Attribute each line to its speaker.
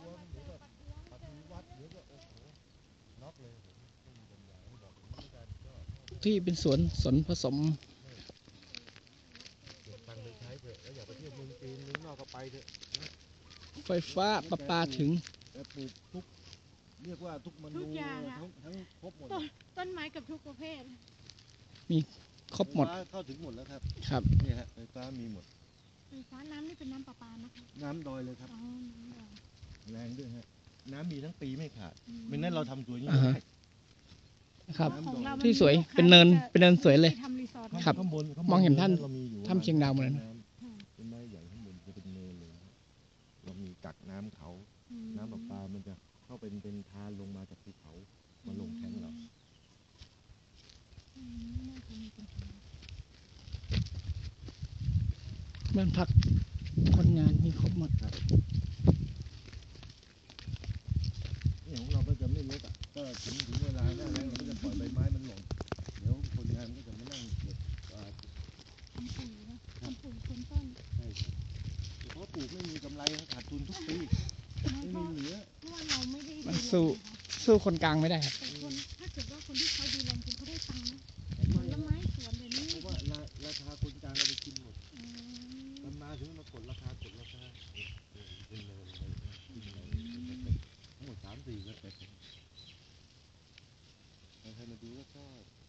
Speaker 1: ท้วงหรือแบบปฏิวัติหรือว่าโอ้โหน็อกเลยผมไม่มีปัญญาที่บอกอย่างนี้กันก็
Speaker 2: ที่เป็นสวนผสม
Speaker 1: เก็บตังค์ไปใช้เถอะแล้วอย่าไปเที่ยวเมืองจีนเมืองนอกก็ไปเถอะ
Speaker 2: ไฟฟ้าประปาถึง
Speaker 1: แต่ปลูกทุกเรียกว่าทุกมนู
Speaker 3: ทุกอย่างอะ
Speaker 1: ทั้งครบหมด
Speaker 3: ต้นไม้กับทุกประเภท
Speaker 2: มีครบหมด
Speaker 1: ไฟฟ้าเข้าถึงหมดแล้วครับ
Speaker 2: ครับ
Speaker 1: นี่ฮะไฟฟ้ามีหมด
Speaker 3: ไฟฟ้าน้ำนี่เป็นน้ำประปานะคะ
Speaker 1: น้ำดอยเลยครับ
Speaker 3: อ๋อน้ำดอย
Speaker 1: แรงด้วยฮะน้ำมีทั้งปีไม่ขาด
Speaker 3: อืม
Speaker 1: ไม่นั้นเราทำตัวนี้
Speaker 2: อ่า
Speaker 1: ไม่
Speaker 2: ฮะ
Speaker 1: ได้
Speaker 2: ครับ
Speaker 3: ของเรา
Speaker 2: ที่สวย
Speaker 3: มัมี
Speaker 2: เป็นเนิน
Speaker 3: ลูกค้า
Speaker 2: เป็นเนินสวยเลย
Speaker 3: ที่ทำรีสอร์ท
Speaker 2: ครับ
Speaker 1: ข้างบน
Speaker 2: มองเห็นท่าน
Speaker 1: เรามีอยู่
Speaker 2: ถ้ำเชียงดาวหมดเลยนะ
Speaker 1: เป็นไม้ใหญ่ข้างบนจะเป็นเนินเลยนะเรามีกักน้ำเขา
Speaker 3: อืม
Speaker 1: น้ำประปามันจะเข้าเป็นทานลงมาจากภูเขามาลงแทงเรา
Speaker 3: อืมน่าจะมีปัญหา
Speaker 2: บ้านพักคนงานมีครบหมด
Speaker 1: นี่ของเราก็จะไม่ลดอ่ะก็ถึงเวลาหน้าแล้งเราก็จะปล่อยใบไม้มันหล่นเดี๋ยวคนงานก็จะมานั่งเก็บ
Speaker 3: ทำปุ๋ยนะทำปุ๋ยคนต้น
Speaker 1: ใช่ครับเพราะปลูกไม่มีกำไรขาดทุนทุกปี
Speaker 3: ไม่
Speaker 1: ไม่
Speaker 3: เพ
Speaker 1: มี
Speaker 3: ราะ
Speaker 1: เหลือ
Speaker 3: เพราะว่าเราไม่ได้
Speaker 2: มัน
Speaker 3: ดูแล
Speaker 2: สู้
Speaker 3: นะคะ
Speaker 2: สู้คนกลางไม่ได้ครับ
Speaker 3: แต่คนถ้าเกิดว่าคนที่เขาดูแลจริงเขาได้ตังค์นะผลไม้สวนเดี๋ยวนี้
Speaker 1: เพราะว่าราคาคนกลางเราไปกินหมด
Speaker 3: อืม
Speaker 1: มันมาถึงมากดราคาเป็นเนินเลยขึ้นเลยขึ้นเลยเป็นสเต็ปทั้งหมด3-4 สเต็ปใครมาดูก็ชอบ